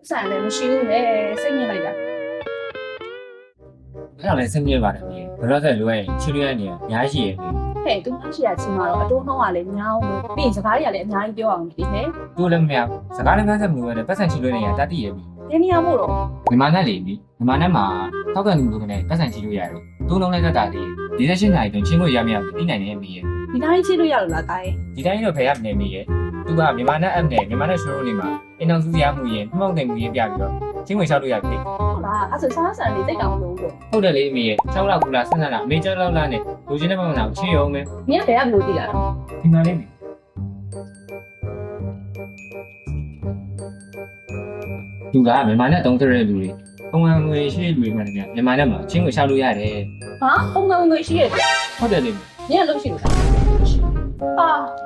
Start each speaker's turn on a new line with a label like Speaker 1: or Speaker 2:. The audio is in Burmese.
Speaker 1: ဆိုင်လည်းမရှိဘူးလေစိတ်ညစ်လိုက်တာ
Speaker 2: အဲ့ဒါလည်းစိတ်ညစ်ပါတယ်မြေဘယ်တော့ဆက်လွယ်ရင်ချီလွယ်နေရအများကြီးရဲ့
Speaker 1: ဟဲ့သူမရှိရချင်းမှာတော့အတိုးနှောင်းကလည်းညောင်းလို့ပြီးရင်စကားတွေကလည်းအများကြီးပြောအောင်ဒီဟဲ့
Speaker 2: သူလည်းမရစကားလည်းမဆက်မလို့လည်းပတ်စံချီလွယ်နေရတတ်တည်ရဲ့ပြီ
Speaker 1: ဒီနေရာမို့တော့
Speaker 2: မြန်မာနဲ့လေပြီမြန်မာနဲ့မှာတောက်ကန်လူလူကနေပတ်စံချီလို့ရတယ်သူ့လုံးလိုက်တတ်တာလေ48နာရီတွင်ချင်းလို့ရမရပြီးနိုင်နေပြီရဲ့
Speaker 1: ဒီတိုင်းချိလို့ရလို့လားတာရဲ့
Speaker 2: ဒီတိုင်းတော့ဖယ်ရမနေမိရဲ့သူကမြန်မာနဲ့ app နဲ့မြန်မာနဲ့ show နေမှာအင်အောင်စုရမှုရင်မှောက်တယ်မှုရင်ပြပြီးတော့ချင်းဝင်လျှောက်လို့ရတယ်
Speaker 1: ဟုတ်လားအဲ့ဆိုစားဆန်လေးတိတ်တောင်လို့ပေါ့
Speaker 2: ဟုတ်တယ်လေမိရဲ့6လောက်ကူလားဆက်ဆက်လားအမေ6လောက်လားနဲ့လူချင်းတဲ့ပုံစံကိုချင်းရုံပဲ
Speaker 1: မင်းကဘယ်ကလို့တည်တာတော့
Speaker 2: ဒီမှာလေးမိသူကမြန်မာနဲ့တုံးတဲ့လူတွေပုံမှန်ငွေရှိတဲ့လူတွေမှလည်းမြန်မာနဲ့မှာချင်းကိုလျှောက်လို့ရတယ်
Speaker 1: ဟာပုံမှန်ငွေရှိရတယ်
Speaker 2: ဟုတ်တယ်လေ
Speaker 1: မင်းကလို့ရှိလို့ဟာ